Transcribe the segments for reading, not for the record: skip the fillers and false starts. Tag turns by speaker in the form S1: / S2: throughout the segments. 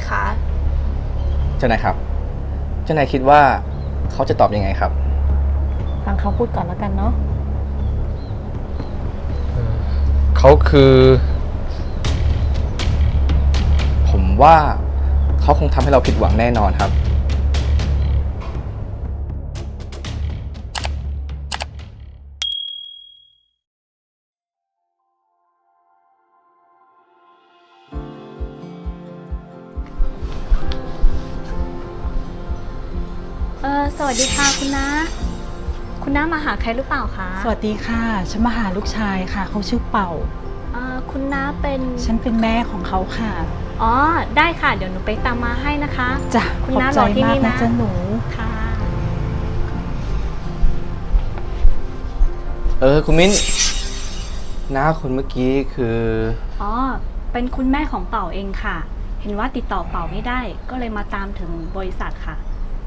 S1: คะ
S2: เจ้านายครับเจ้านายคิดว่าเขาจะตอบยังไงครับ
S3: ฟังเขาพูดก่อนแล้วกันเนาะ
S4: เขาคือ
S2: ผมว่าเขาคงทำให้เราผิดหวังแน่นอนครับ
S1: สวัสดีค่ะคุณน้าคุณน้ามาหาใครหรือเปล่าคะ
S5: สวัสดีค่ะฉันมาหาลูกชายค่ะเขาชื่อเป่า
S1: คุณน้าเป็น
S5: ฉันเป็นแม่ของเขาค่ะ
S1: อ๋อได้ค่ะเดี๋ยวหนูไปตามมาให้นะคะ
S5: จ้ะ
S1: คุณน้ารอที่นี่นะ
S5: จ้ะหนู
S1: ค่ะ
S2: คุณมิ้นน้าคนเมื่อกี้คือ
S1: อ๋อเป็นคุณแม่ของเป่าเองค่ะเห็นว่าติดต่อเป่าไม่ได้ก็เลยมาตามถึงบริษัทค่ะ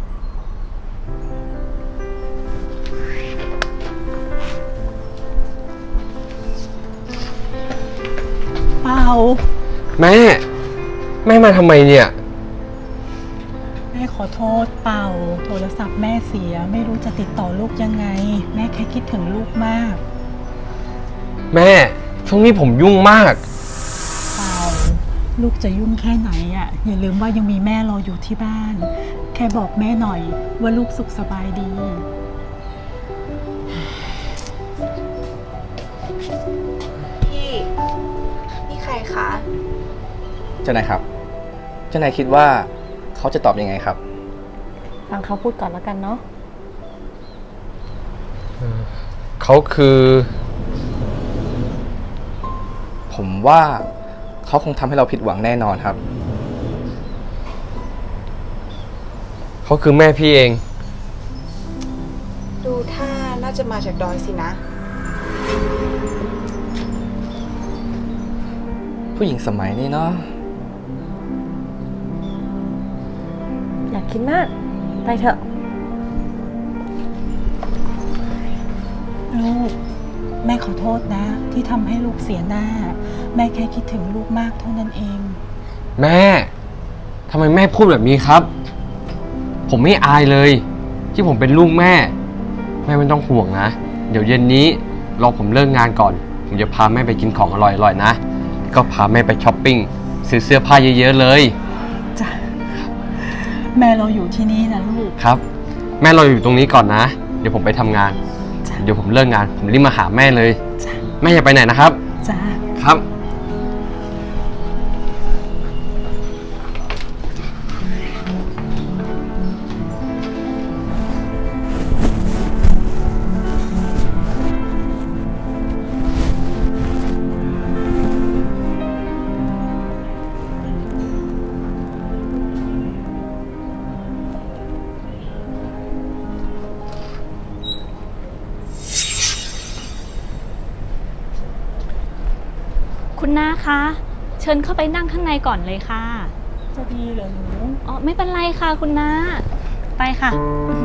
S5: เป่า
S4: แม่มาทำไมเนี่ย
S5: แม่ขอโทษเป่าโทรศัพท์แม่เสียไม่รู้จะติดต่อลูกยังไงแม่แค่คิดถึงลูกมาก
S4: แม่ช่วงนี้ผมยุ่งมาก
S5: เป่าลูกจะยุ่งแค่ไหนอ่ะอย่าลืมว่ายังมีแม่รออยู่ที่บ้านแค่บอกแม่หน่อยว่าลูกสุขสบายดี
S1: พี่นี่ใครคะ
S2: เจ้านายครับเจ้านายคิดว่าเขาจะตอบยังไงครับ
S3: ฟังเขาพูดก่อนแล้วกันเนาะ
S4: เขาคือ
S2: ผมว่าเขาคงทำให้เราผิดหวังแน่นอนครับ
S4: เขาคือแม่พี่เอง
S1: ดูท่าน่าจะมาจากดอยสินะ
S2: ผู้หญิงสมัยนี้เนาะ
S3: อยากคิดมากไปเถอะ
S5: ลูกแม่ขอโทษนะที่ทำให้ลูกเสียหน้าแม่แค่คิดถึงลูกมากเท่านั้นเอง
S4: แม่ทำไมแม่พูดแบบนี้ครับผมไม่อายเลยที่ผมเป็นลูกแม่ไม่ต้องห่วงนะเดี๋ยวเย็นนี้รอผมเลิกงานก่อนผมจะพาแม่ไปกินของอร่อยๆนะก็พาแม่ไปช้อปปิ้งซื้อเสื้อผ้าเยอะๆเลย
S5: จ้ะแม่เราอยู่ที่นี่นะลูก
S4: ครับแม่เราอยู่ตรงนี้ก่อนนะเดี๋ยวผมไปทำงานเดี๋ยวผมเลิกงานผมรีบมาหาแม่เลยแม่อย่าไปไหนนะครับ
S5: จ้ะ
S4: ครับ
S1: คุณน้าคะเชิญเข้าไปนั่งข้างในก่อนเลยค่ะ
S5: จะดีเหรอหนู
S1: อ๋อไม่เป็นไรค่ะคุณน้าไปค่ะ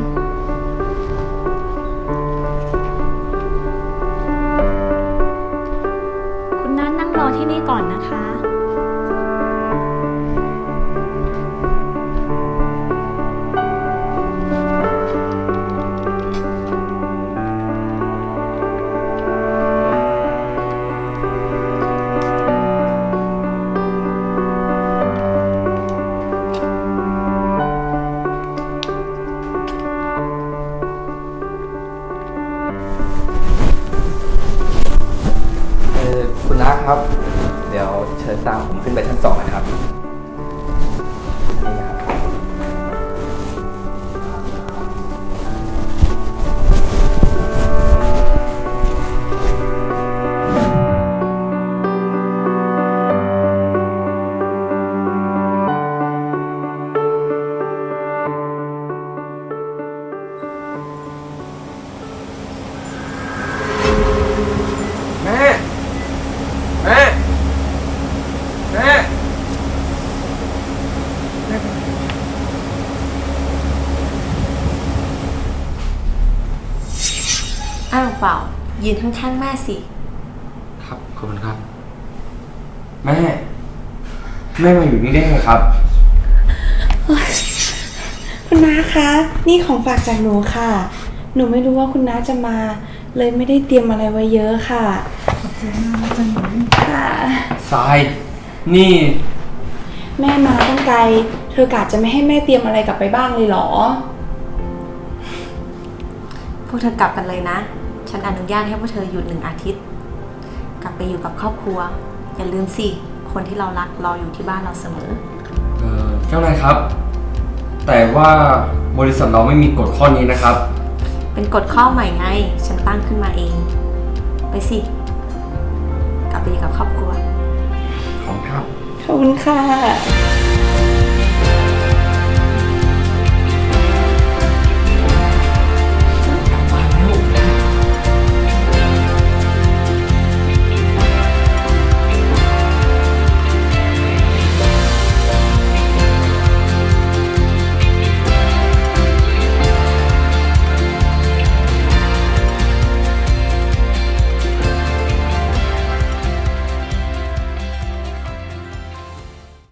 S1: คุณน้านั่งรอที่นี่ก่อนนะคะ
S2: คุณน้าครับเดี๋ยวเชิญตามผมขึ้นไปชั้น2นะครับนี่ครับ
S3: อ้าวเปล่ายืนข้างๆแม่สิ
S4: ครับขอบคุณครับแม่มาอยู่นี่ได้ไงครับ
S3: คุณน้าคะ นี่ของฝากจากหนูค่ะ หนูไม่รู้ว่าคุณน้าจะมา เลยไม่ได้เตรียมอะไรไว้เยอะค่ะ
S5: ขอบใจมากนะจ๊ะหนู
S3: ค่ะ
S4: ทราย นี่
S3: แม่มาตั้งไกล เธอกะจะไม่ให้แม่เตรียมอะไรกลับไปบ้างเลยเหรอ
S6: พวกเธอกลับกันเลยนะ ฉันอนุญาตให้พวกเธอหยุด1 อาทิตย์ กลับไปอยู่กับครอบครัว อย่าลืมสิ คนที่เรารักรออยู่ที่บ้านเราเสมอ
S4: เจ้านายครับ แต่ว่าบริษัทเราไม่มีกฎข้อนี้นะครับ
S6: เป็นกฎข้อใหม่ไง ฉันตั้งขึ้นมาเอง ไปสิ กลับไปอยู่กับครอบครัว
S4: ขอบคุณครับ
S3: ขอบคุณค่ะ